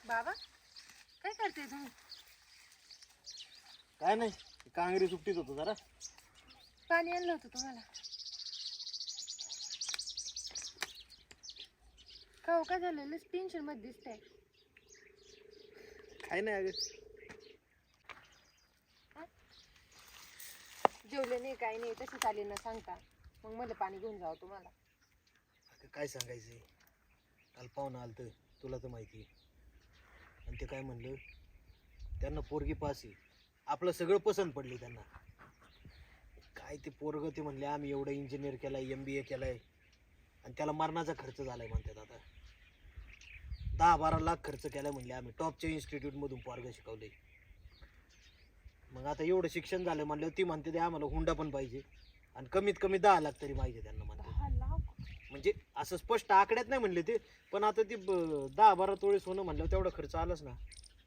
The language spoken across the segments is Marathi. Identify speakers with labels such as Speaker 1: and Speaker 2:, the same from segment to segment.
Speaker 1: बाबा काय करते तुम्ही?
Speaker 2: काय नाही, कांगरी सुट्टीत होतो जरा.
Speaker 1: पाणी आणलं होतं तुम्हाला. का काय झालेलं? टेन्शन मध्ये दिसतंय.
Speaker 2: काय नाही अगं,
Speaker 1: जेवले नाही काही नाही, तसंच आले ना सांगता. मग मला पाणी घेऊन जावं तुम्हाला.
Speaker 2: अगं काय सांगायचंय, काल पाहुणं आलतं, तुला तर माहिती आहे. आणि ते काय म्हणलं, त्यांना पोरगी पास आहे, आपलं सगळं पसंत पडली त्यांना. काय ते पोरग ते म्हणले आम्ही एवढं इंजिनियर केलाय, MBA केलाय, आणि त्याला मरणाचा खर्च झालाय म्हणतात. आता 10-12 लाख खर्च केलाय म्हणले, आम्ही टॉपच्या इन्स्टिट्यूट मधून पोरग शिकवले. मग आता एवढं शिक्षण झालं म्हणलं, ती म्हणते ते आम्हाला हुंडा पण पाहिजे, आणि कमीत कमी 10 लाख तरी पाहिजे त्यांना म्हणते.
Speaker 1: 10 लाख?
Speaker 2: म्हणजे असं स्पष्ट आकड्यात नाही म्हणले ते, पण आता ती 10-12 तोळे सोनं म्हणलं तेवढा खर्च आलाच ना.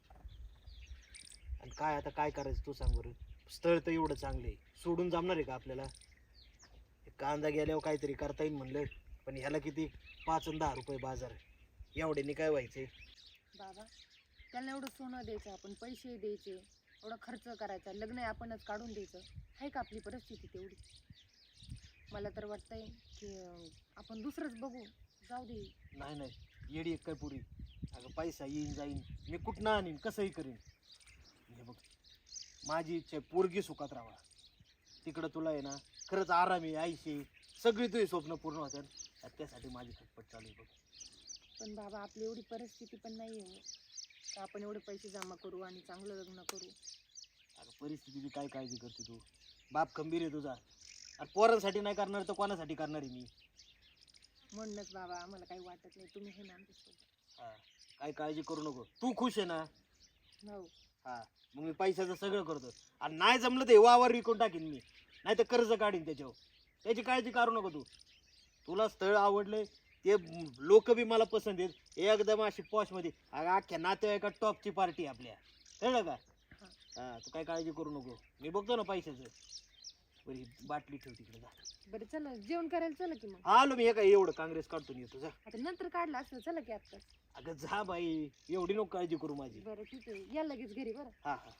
Speaker 2: आणि काय आता काय करायचं तू सांग बरं. स्थळ तर एवढं चांगलं आहे, सोडून जमणार आहे का आपल्याला? कांदा गेल्यावर काहीतरी करता येईल म्हणलं, पण ह्याला किती 5 आणि 10 रुपये बाजार, एवढ्याने काय व्हायचे?
Speaker 1: बाबा त्यांना एवढं सोनं द्यायचं, आपण पैसे द्यायचे, एवढा खर्च करायचा, लग्न आपणच काढून द्यायचं. आहे का आपली परिस्थिती तेवढी? मला तर वाटतंय की आपण दुसरंच बघू, जाऊ दे.
Speaker 2: नाही नाही, येडी एक काय पुरी. अगं पैसा येईन जाईन, मी कुठनं आणीन, कसंही करीन. हे बघ, माझी इच्छा आहे पोरगी सुखात राहा. तिकडं तुला आहे ना खरंच आरामी आईशी सगळी तुझी स्वप्न पूर्ण होतात. त्यासाठी माझी खटपट चालू आहे बघ.
Speaker 1: पण बाबा आपली एवढी परिस्थिती पण नाही आहे का आपण एवढे पैसे जमा करू आणि चांगलं लग्न करू.
Speaker 2: अगं परिस्थितीची काय काळजी करते तू? बाप खंबीर आहे तुझा. अरे पोरांसाठी नाही करणार तर कोणासाठी करणार आहे मी?
Speaker 1: म्हणूनच बाबा आम्हाला काही वाटत नाही, तुम्ही हे ना आमच्यासोबत.
Speaker 2: हा, काय काळजी करू नको, तू खुश आहे ना?
Speaker 1: हो.
Speaker 2: हा, मग मी पैशाचं सगळं करतो. आणि नाही जमलं तर वावर विकून टाकीन मी, नाही तर कर्ज काढीन त्याच्यावर. त्याची काळजी करू नको तू. तुला स्थळ आवडले, ते लोक बी मला पसंत आहेत, एकदम अशी पॉश मध्ये. अख्ख्या नातेवाईका टॉपची पार्टी आपल्या, कळलं का? हा, तू काय काळजी करू नको, मी बघतो ना पैशाचं. बरी बाटली ठेव तिकडे जा.
Speaker 1: बरं चला जेवण करायला, चला की मग.
Speaker 2: आलो मी, हे काय एवढं काँग्रेस काढतो येतो जा.
Speaker 1: आता नंतर काढलं असलं, चला की आता.
Speaker 2: अगं जा बाई, एवढी नको काळजी करू माझी.
Speaker 1: बरं ठीक आहे, या लगेच घरी. बरं.
Speaker 2: हा हा.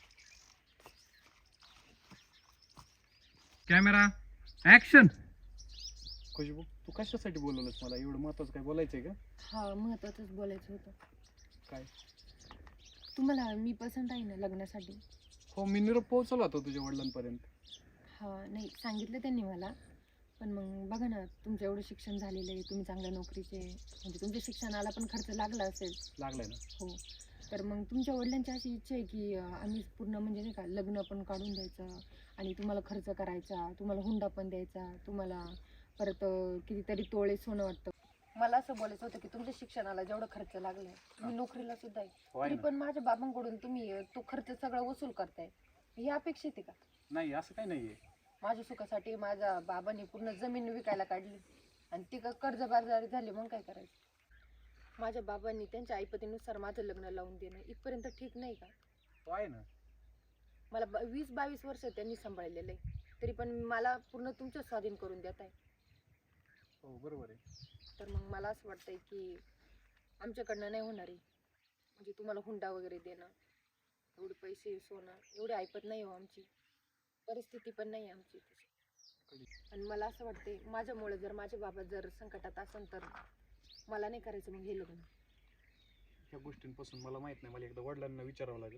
Speaker 3: Camera action. खुशबू, तू कशासाठी बोलवलंस मला? एवढं महत्वाचं काय बोलायचंय का?
Speaker 1: हा, महत्वाचंच बोलायचं होतं.
Speaker 3: काय?
Speaker 1: तुम्हाला मी पसंत आहे ना लग्नासाठी?
Speaker 3: हो, मी निरोप पोहोचवला होता तुझ्या वडिलांपर्यंत.
Speaker 1: हा, नाही सांगितलं त्यांनी मला. पण मग बघा ना, तुमचं एवढं शिक्षण झालेलं आहे, तुम्ही चांगल्या नोकरीचे, म्हणजे तुमच्या शिक्षणाला पण खर्च लागला असेल.
Speaker 3: लागलाय ना?
Speaker 1: हो. तर मग तुमच्या वडिलांची अशी इच्छा आहे की आम्ही पूर्ण म्हणजे नाही का लग्न पण काढून द्यायचं, आणि तुम्हाला खर्च करायचा, तुम्हाला हुंडा पण द्यायचा, तुम्हाला परत कितीतरी तोळे सोनं वाटतं. मला असं बोलायचं होतं की तुमच्या शिक्षणाला जेवढा खर्च लागलाय, तुम्ही नोकरीला सुद्धा आहे, तरी पण माझ्या बाबांकडून तुम्ही तो खर्च सगळा वसूल करताय. ही अपेक्षित आहे का?
Speaker 3: नाही, असं काही नाहीये.
Speaker 1: माझ्या सुखासाठी माझ्या बाबांनी पूर्ण जमीन विकायला काढली, आणि ती कर्जबाजारी झाली, मग काय करायचं? माझ्या बाबांनी त्यांच्या ऐपतीनुसार माझं लग्न लावून देणं इथपर्यंत ठीक नाही का?
Speaker 3: तो आहे ना.
Speaker 1: मला 20-22 वर्ष त्यांनी सांभाळलेलं आहे, तरी पण मला पूर्ण तुमच्या स्वाधीन करून देत आहे.
Speaker 3: हो, बरोबर आहे.
Speaker 1: तर मग मला असं वाटतंय की आमच्याकडनं नाही होणार आहे, म्हणजे तुम्हाला हुंडा वगैरे देणं, एवढे पैसे सोनं एवढे ऐपत नाही हो, आमची परिस्थिती पण नाही आमची तशी. आणि मला असं वाटतंय माझ्यामुळे जर माझे बाबा जर संकटात असेल तर मला नाही करायचं मग हे लग्न.
Speaker 3: ह्या गोष्टींपासून मला माहित नाही, मला एकदा वडिलांना विचारावं लागेल.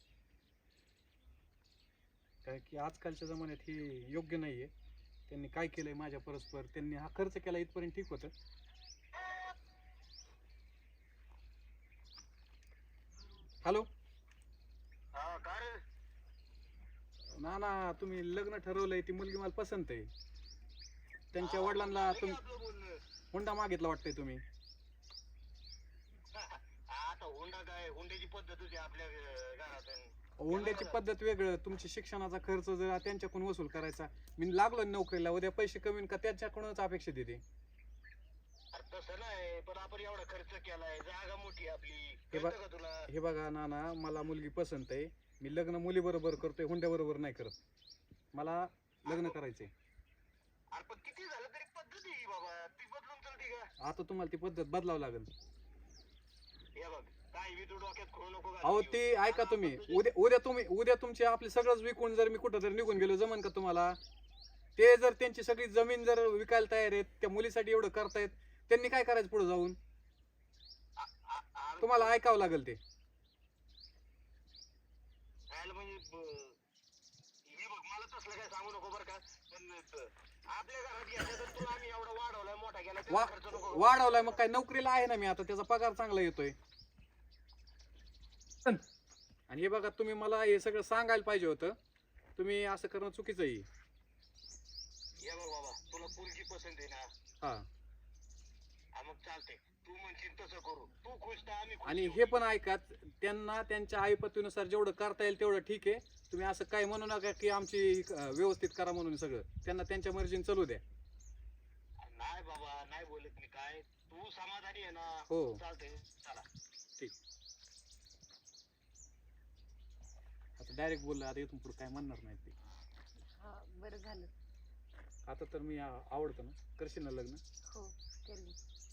Speaker 3: काय की आजकालच्या जमान्यात हे योग्य नाहीये. त्यांनी काय केलंय माझ्या परस्पर, त्यांनी हा खर्च केला इथपर्यंत ठीक होतं. हॅलो ना ना, तुम्ही लग्न ठरवलंय, ती मुलगी मला पसंत आहे. त्यांच्या वडिलांना तुम्ही हुंडा मागितला वाटतंय तुम्ही.
Speaker 2: आता हुंडा काय, हुंड्याची पद्धत होती आपल्या घरात.
Speaker 3: हुंड्याची पद्धत वेगळं, तुमच्या शिक्षणाचा खर्च जर त्यांच्याकडून वसूल करायचा. मी लागलो नोकरीला, उद्या पैसे कमी का त्यांच्याकडूनच अपेक्षा देते.
Speaker 2: तसं नाही, पण आपण एवढा खर्च केलाय, जागा मोठी आपली.
Speaker 3: हे बघा नाना, मला मुलगी पसंत आहे. मी लग्न मुली बरोबर करतोय, हुंड्या बरोबर नाही करत. मला लग्न करायचंय.
Speaker 2: पण किती झालं तरी पद्धत आहे बाबा, ती बदलून चालते का?
Speaker 3: आता तुम्हाला ती पद्धत बदलावं लागेल.
Speaker 2: हे बघ,
Speaker 3: अहो ते ऐका तुम्ही, उद्या तुमची आपली सगळंच विकून जर मी कुठं जर निघून गेलो जमन का तुम्हाला? ते जर त्यांची सगळी जमीन जर विकायला तयार आहेत, त्या मुलीसाठी एवढं करतायत, त्यांनी काय करायचं पुढे जाऊन? तुम्हाला ऐकावं लागेल ते. वाढवलाय मग काय, नोकरीला आहे ना मी आता, त्याचा पगार चांगला येतोय. आणि हे बघा, तुम्ही मला हे सगळं सांगायला पाहिजे होतं. तुम्ही असं करणं चुकीचं आहे.
Speaker 2: बाबा तुला पोरगी पसंत आहे ना?
Speaker 3: हा.
Speaker 2: मग चालतंय, तू म्हणशील तसं करू. तू खुश तर आम्ही खुश.
Speaker 3: आणि हे पण ऐका, त्यांना त्यांच्या आईपतीनुसार जेवढं करता येईल तेवढं ठीक आहे. तुम्ही असं काय म्हणू नका की आमची व्यवस्थित करा म्हणून. सगळं त्यांना त्यांच्या मर्जीने चालू द्या.
Speaker 2: नाही बाबा, नाही बोलत मी काय. तू समाधानी आहे ना?
Speaker 3: हो.
Speaker 2: चालतंय, चला.
Speaker 3: ठीक. आता डायरेक्ट बोलला, आता इथून पुढे काय म्हणणार नाही ते.
Speaker 1: हा बरं झालं.
Speaker 3: आता तर मी आवडतो ना, करशील ना लग्न?
Speaker 1: हो केलं.